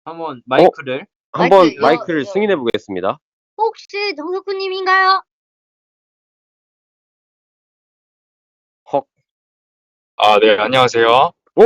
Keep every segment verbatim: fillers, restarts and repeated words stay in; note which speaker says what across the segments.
Speaker 1: 한번 마이크를
Speaker 2: 한번
Speaker 3: 마이크, 이거,
Speaker 2: 마이크를
Speaker 3: 이거.
Speaker 2: 승인해 보겠습니다.
Speaker 3: 혹시 정석훈님인가요?
Speaker 2: 헉.
Speaker 4: 아, 네, 안녕하세요.
Speaker 2: 오!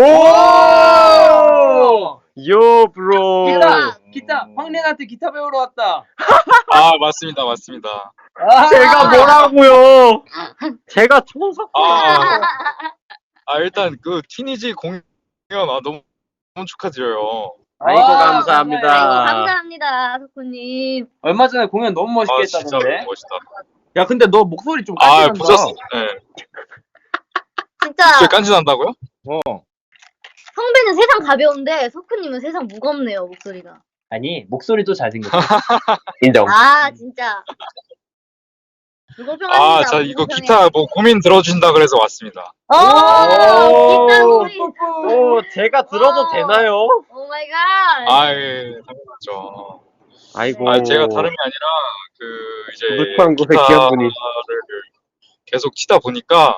Speaker 1: 오!
Speaker 2: 요 브로.
Speaker 1: 기타! 기타! 황린한테 기타 배우러 왔다.
Speaker 4: 아, 맞습니다, 맞습니다.
Speaker 1: 아!
Speaker 2: 제가 뭐라고요? 제가 초석.
Speaker 4: 아, 아 일단 그 티니지 공연 아, 너무, 너무 축하드려요.
Speaker 2: 아이고
Speaker 1: 아,
Speaker 2: 감사합니다.
Speaker 3: 아이고,
Speaker 1: 감사해요.
Speaker 3: 감사합니다, 석훈님.
Speaker 1: 얼마 전에 공연 너무 멋있게
Speaker 4: 아, 진짜
Speaker 1: 했다던데.
Speaker 4: 너무 멋있다.
Speaker 1: 야, 근데 너 목소리 좀
Speaker 4: 아,
Speaker 1: 깐진한다.
Speaker 4: 보셨어? 네.
Speaker 3: 진짜
Speaker 4: 진짜 깐진한다고요?
Speaker 1: 어.
Speaker 3: 성배는 세상 가벼운데 석훈님은 세상 무겁네요, 목소리가.
Speaker 1: 아니, 목소리도 잘생겼어.
Speaker 2: 인정.
Speaker 3: 아, 진짜. 불공평합니다.
Speaker 4: 아, 자, 이거
Speaker 3: 불공평해.
Speaker 4: 기타 뭐 고민 들어주신다 그래서 왔습니다.
Speaker 3: 어, 기타 소리.
Speaker 2: 오, 제가 들어도
Speaker 3: 와.
Speaker 2: 되나요?
Speaker 3: 오 마이 갓.
Speaker 4: 아, 예, 당연하죠.
Speaker 2: 아이고.
Speaker 4: 아, 제가 다름이 아니라 그 이제
Speaker 2: 무창고의 귀한 분이.
Speaker 4: 기타를 계속 치다 보니까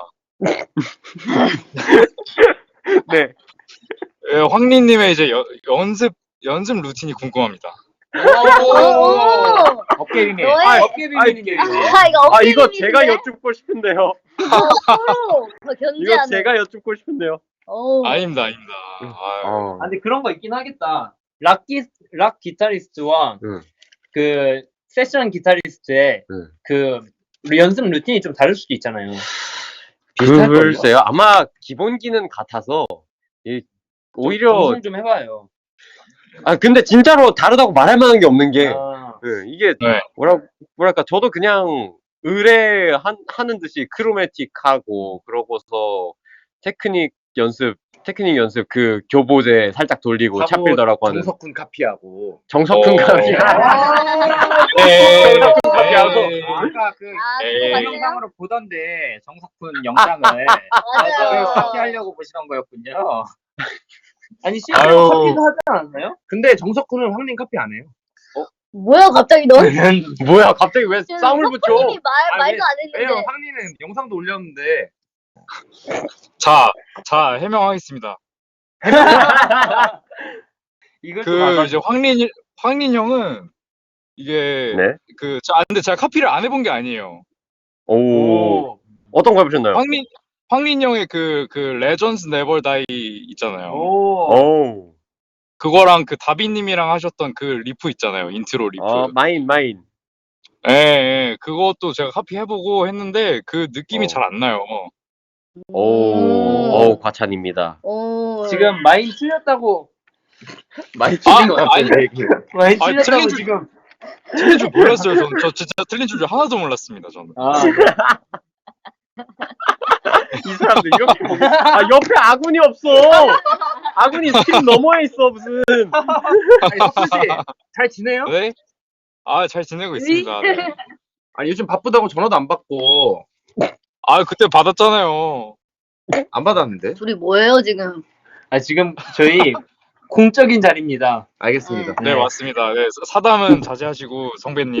Speaker 2: 네.
Speaker 4: 예, 황리님의 이제 여, 연습 연습 루틴이 궁금합니다.
Speaker 3: 오.
Speaker 1: 어깨 비밀.
Speaker 3: 너의-
Speaker 1: 아, 어깨 비밀이네.
Speaker 3: 아, 이거
Speaker 2: 아
Speaker 3: 어깨
Speaker 2: 이거
Speaker 3: 비밀인데?
Speaker 2: 제가 여쭙고 싶은데요.
Speaker 3: 서로 더
Speaker 2: 이거
Speaker 3: 견제하는.
Speaker 2: 제가 여쭙고 싶은데요.
Speaker 3: 오.
Speaker 4: 아닙니다, 아닙니다. 아유.
Speaker 2: 어.
Speaker 1: 아, 근데 그런 거 있긴 하겠다. 락, 기, 락 기타리스트와
Speaker 2: 응.
Speaker 1: 그 세션 기타리스트의
Speaker 2: 응.
Speaker 1: 그 연습 루틴이 좀 다를 수도 있잖아요. 비슷할걸요?
Speaker 2: 글쎄요. 아마 기본기는 같아서 이, 오히려
Speaker 1: 방송 좀 해봐요.
Speaker 2: 아 근데 진짜로 다르다고 말할 만한 게 없는 게
Speaker 1: 아,
Speaker 2: 예, 이게
Speaker 4: 네.
Speaker 2: 뭐라 뭐랄까 저도 그냥 의뢰 한, 하는 듯이 크로매틱하고 그러고서 테크닉 연습 테크닉 연습 그 교보제 살짝 돌리고 차필더라고 하는
Speaker 5: 정석훈 카피하고
Speaker 2: 정석훈
Speaker 4: 어.
Speaker 2: 감이
Speaker 4: 네.
Speaker 2: 카피하고.
Speaker 4: 네.
Speaker 5: 아까 그
Speaker 3: 아,
Speaker 4: 에이.
Speaker 3: 그거 맞네요.
Speaker 5: 동영상으로 보던데 정석훈 영상을
Speaker 3: 맞아요.
Speaker 5: 그 카피하려고 보시던 거였군요.
Speaker 1: 아니 실제로
Speaker 4: 아유.
Speaker 1: 카피도 하지 않았나요?
Speaker 5: 근데 정석훈은 황님 카피 안 해요.
Speaker 3: 뭐야, 갑자기 넌?
Speaker 2: 뭐야 갑자기 왜 싸움을 붙여?
Speaker 3: 석훈님이 말,
Speaker 5: 아,
Speaker 3: 말도 안
Speaker 5: 왜요?
Speaker 3: 했는데.
Speaker 5: 황님은 영상도 올렸는데
Speaker 4: 자, 자 해명하겠습니다.
Speaker 1: 이걸 좀
Speaker 4: 그
Speaker 1: 알아줘.
Speaker 4: 이제 황린 황린 형은 이게
Speaker 2: 네.
Speaker 4: 그 자, 근데 제가 카피를 안 해본 게 아니에요.
Speaker 2: 오.
Speaker 1: 오.
Speaker 2: 어떤 거 해보셨나요?
Speaker 4: 황린 황린 형의 그 그 레전드 네버 다이 있잖아요.
Speaker 1: 오.
Speaker 2: 오.
Speaker 4: 그거랑 그 다비님이랑 하셨던 그 리프 있잖아요. 인트로 리프.
Speaker 2: 어 마인 마인.
Speaker 4: 예, 예, 그것도 제가 카피 해보고 했는데 그 느낌이
Speaker 2: 어.
Speaker 4: 잘 안 나요.
Speaker 2: 오.
Speaker 3: 음.
Speaker 2: 오 과찬입니다.
Speaker 3: 오.
Speaker 1: 지금 마인 틀렸다고
Speaker 5: 많이
Speaker 4: 아,
Speaker 5: 틀린 것 같은데
Speaker 4: 아니.
Speaker 5: 얘기.
Speaker 1: 마인
Speaker 4: 아,
Speaker 1: 틀렸다고
Speaker 4: 틀린 줄-
Speaker 1: 지금.
Speaker 4: 틀린 줄 몰랐어요. 저는 저 진짜 틀린 줄 하나도 몰랐습니다. 저는.
Speaker 1: 아,
Speaker 2: 이 사람들 이렇게 보고 아 옆에 아군이 없어. 아군이 스크린 너머에 있어 무슨.
Speaker 5: 아니 석훈 씨잘 지내요?
Speaker 4: 네? 아, 잘 지내고 있습니다. 네.
Speaker 5: 아니 요즘 바쁘다고 전화도 안 받고
Speaker 4: 아, 그때 받았잖아요.
Speaker 5: 안 받았는데.
Speaker 3: 둘이 뭐예요, 지금?
Speaker 1: 아 지금 저희 공적인 자리입니다.
Speaker 5: 알겠습니다.
Speaker 4: 네,
Speaker 1: 네.
Speaker 4: 맞습니다. 네, 사담은 자제하시고 성배님.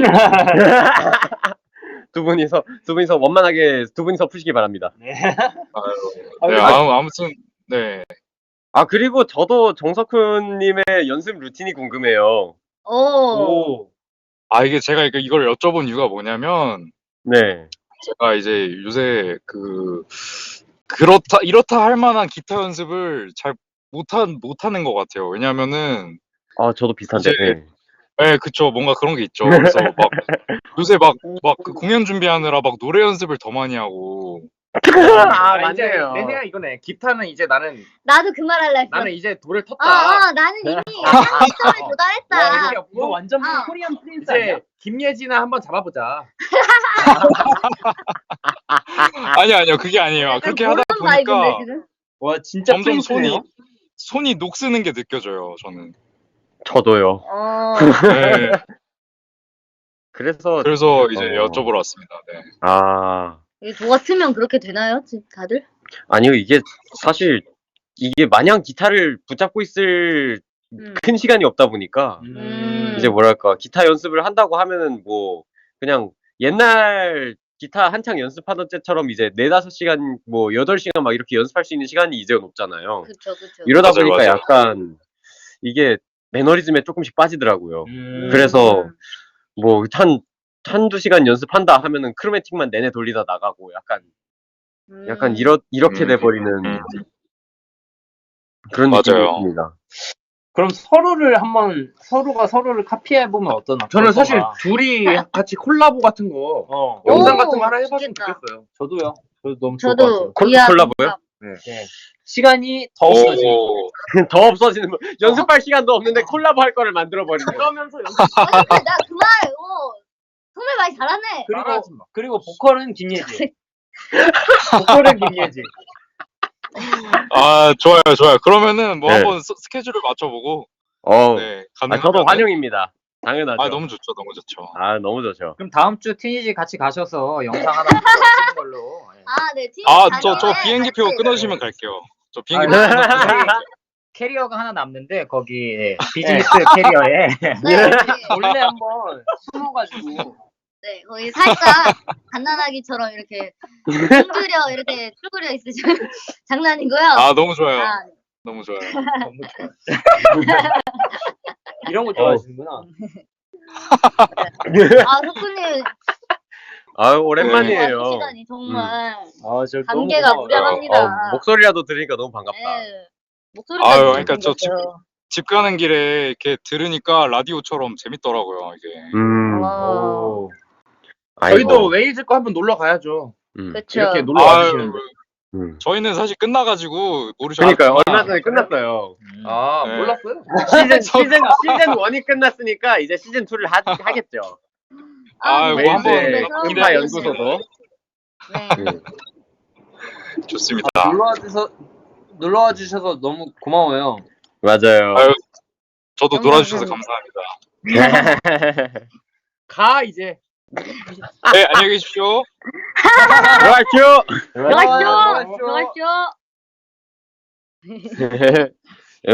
Speaker 2: 두 분이서 두 분이서 원만하게 두 분이서 푸시기 바랍니다.
Speaker 1: 네.
Speaker 4: 네, 아무, 아무튼 네.
Speaker 2: 아 그리고 저도 정석훈님의 연습 루틴이 궁금해요.
Speaker 3: 오.
Speaker 1: 오.
Speaker 4: 아, 이게 제가 이거- 이걸 여쭤본 이유가 뭐냐면
Speaker 2: 네.
Speaker 4: 제가 이제 요새 그 그렇다 이렇다 할 만한 기타 연습을 잘 못한 못하는 것 같아요. 왜냐면은
Speaker 2: 아 저도 비슷한데.
Speaker 4: 이제-
Speaker 2: 네.
Speaker 4: 네, 그쵸. 뭔가 그런 게 있죠. 그래서 막 요새 막 막 그 공연 준비하느라 막 노래 연습을 더 많이 하고.
Speaker 2: 아
Speaker 5: 아, 이제
Speaker 2: 맞네요.
Speaker 5: 내 생각 이거네. 기타는 이제 나는
Speaker 3: 나도 그 말 할라 했어.
Speaker 5: 나는 이제 돌을 텄다.
Speaker 3: 아, 아, 나는 이미 완성에
Speaker 5: 와,
Speaker 3: 도달했다.
Speaker 5: 이게
Speaker 1: 이거 완전
Speaker 3: 아.
Speaker 1: 코리안 프린스 아니야?
Speaker 5: 이제 김예진아 한번 잡아보자.
Speaker 4: 아니 아니요. 그게 아니에요. 그렇게 하다
Speaker 3: 그런 바이브인데,
Speaker 4: 보니까
Speaker 3: 지금?
Speaker 1: 와 진짜
Speaker 4: 점점
Speaker 1: 프린스네요.
Speaker 4: 손이 손이 녹쓰는 게 느껴져요. 저는.
Speaker 2: 저도요.
Speaker 3: 어.
Speaker 4: 네.
Speaker 2: 그래서
Speaker 4: 그래서 이제
Speaker 2: 어.
Speaker 4: 여쭤보러 왔습니다. 네.
Speaker 2: 아
Speaker 3: 이게 저 같으면 그렇게 되나요, 지- 다들?
Speaker 2: 아니요 이게 사실 이게 마냥 기타를 붙잡고 있을
Speaker 3: 음.
Speaker 2: 큰 시간이 없다 보니까
Speaker 3: 음.
Speaker 2: 이제 뭐랄까 기타 연습을 한다고 하면은 뭐 그냥 옛날 기타 한창 연습하던 때처럼 이제 네다섯 시간 뭐 여덟 시간 막 이렇게 연습할 수 있는 시간이 이제는 없잖아요.
Speaker 3: 그쵸, 그쵸.
Speaker 2: 이러다
Speaker 4: 맞아요,
Speaker 2: 보니까
Speaker 4: 맞아요.
Speaker 2: 약간 이게 매너리즘에 조금씩 빠지더라고요.
Speaker 1: 음.
Speaker 2: 그래서 뭐 한 한두 시간 연습한다 하면은 크로매틱만 내내 돌리다 나가고 약간 약간
Speaker 3: 음.
Speaker 2: 이렇 이렇게
Speaker 4: 음.
Speaker 2: 돼버리는
Speaker 4: 음.
Speaker 2: 그런
Speaker 4: 맞아요.
Speaker 2: 느낌이 있습니다.
Speaker 1: 그럼 서로를 한번 서로가 서로를 카피해 보면 어떠나?
Speaker 5: 저는 사실
Speaker 1: 어떤가?
Speaker 5: 둘이 같이 콜라보 같은 거
Speaker 1: 어,
Speaker 5: 영상
Speaker 3: 오,
Speaker 5: 같은 거 하나 해봤으면
Speaker 3: 좋겠다.
Speaker 5: 좋겠어요.
Speaker 1: 저도요. 저도 너무 좋을 것
Speaker 3: 저도
Speaker 1: 같아요.
Speaker 2: 콜-
Speaker 3: 이하
Speaker 2: 콜라보요?
Speaker 3: 동갑.
Speaker 1: 네. 시간이 더 없어지고
Speaker 4: 오,
Speaker 2: 더 없어지는 거. 연습할 시간도 없는데 콜라보 할 거를 만들어 버리는 거.
Speaker 1: 그러면서 연습.
Speaker 3: 아니 근데 나 그 말, 어, 정말 많이 잘하네.
Speaker 1: 그리고
Speaker 5: 따라하지 마.
Speaker 1: 그리고 보컬은 김예지. 보컬은 김예지.
Speaker 4: 아 좋아요 좋아요. 그러면은 뭐
Speaker 2: 네.
Speaker 4: 한번 스- 스케줄을 맞춰보고
Speaker 2: 어.
Speaker 4: 네
Speaker 2: 아,
Speaker 4: 가능하면
Speaker 2: 저도 환영입니다. 당연하죠.
Speaker 4: 아 너무 좋죠 너무 좋죠.
Speaker 2: 아, 너무 좋죠.
Speaker 6: 그럼 다음 주 티니지 같이 가셔서 영상 하나 찍는 걸로. 예.
Speaker 3: 아, 네. 팀
Speaker 4: 아 저 저
Speaker 3: 다니네.
Speaker 4: 비행기표
Speaker 3: 같이.
Speaker 4: 끊어주시면 갈게요. 저 비행기
Speaker 6: 아,
Speaker 4: 표
Speaker 6: 네.
Speaker 4: 끊어주시면
Speaker 6: 저희 캐리어가 하나 남는데 거기 예, 비즈니스 캐리어에
Speaker 3: 네, 네.
Speaker 1: 원래 한번 숨어가지고
Speaker 3: 네, 거의 살짝 갓난아기처럼 이렇게 쭈그려 이렇게 쭈그려 있으시면 장난이고요.
Speaker 4: 아 너무 좋아요.
Speaker 3: 아,
Speaker 4: 너무 좋아요.
Speaker 6: 너무 좋아요.
Speaker 1: 이런 거 좋아하시는구나.
Speaker 3: 아, 석훈님
Speaker 2: 아,
Speaker 3: 와
Speaker 2: 오랜만이에요.
Speaker 3: 주시다니 정말
Speaker 1: 아, 저
Speaker 3: 관계가
Speaker 1: 너무 고마워요.
Speaker 3: 무량합니다.
Speaker 2: 어, 목소리라도 들으니까 너무 반갑다.
Speaker 3: 네. 목소리가
Speaker 4: 아유,
Speaker 3: 너무
Speaker 4: 그러니까 저
Speaker 3: 생겼어요.
Speaker 4: 집 가는 길에 이렇게 들으니까 라디오처럼 재밌더라고요 이게.
Speaker 2: 음.
Speaker 3: 와,
Speaker 1: 오.
Speaker 5: 저희도
Speaker 2: 아이고.
Speaker 5: 웨일즈 거 한번 놀러 가야죠.
Speaker 2: 음.
Speaker 3: 그쵸.
Speaker 5: 이렇게 놀러
Speaker 4: 아유,
Speaker 5: 와주시는데.
Speaker 2: 음.
Speaker 4: 저희는 사실 끝나가지고 모르셨.
Speaker 2: 그러니까요. 얼마 전에 끝났어요.
Speaker 6: 음.
Speaker 5: 아,
Speaker 4: 네.
Speaker 5: 몰랐어요.
Speaker 2: 시즌 시즌 시즌 일이 끝났으니까 이제 시즌 이를 하, 하겠죠.
Speaker 4: 아유,
Speaker 3: 네,
Speaker 4: 뭐 한번
Speaker 3: 네,
Speaker 2: 웨일즈
Speaker 3: 그런
Speaker 2: 기타
Speaker 3: 거
Speaker 2: 연구소도.
Speaker 3: 네.
Speaker 2: 음.
Speaker 4: 좋습니다.
Speaker 1: 놀러와 주셔서 놀러와 주셔서 너무 고마워요.
Speaker 2: 맞아요.
Speaker 4: 아유, 저도
Speaker 3: 너무
Speaker 4: 놀아주셔서
Speaker 3: 감사합니다.
Speaker 4: 감사합니다.
Speaker 5: 가 이제.
Speaker 4: 네 안녕히 계십시오.
Speaker 2: 들어갈게요.
Speaker 3: 들어가시죠. 들어가시죠.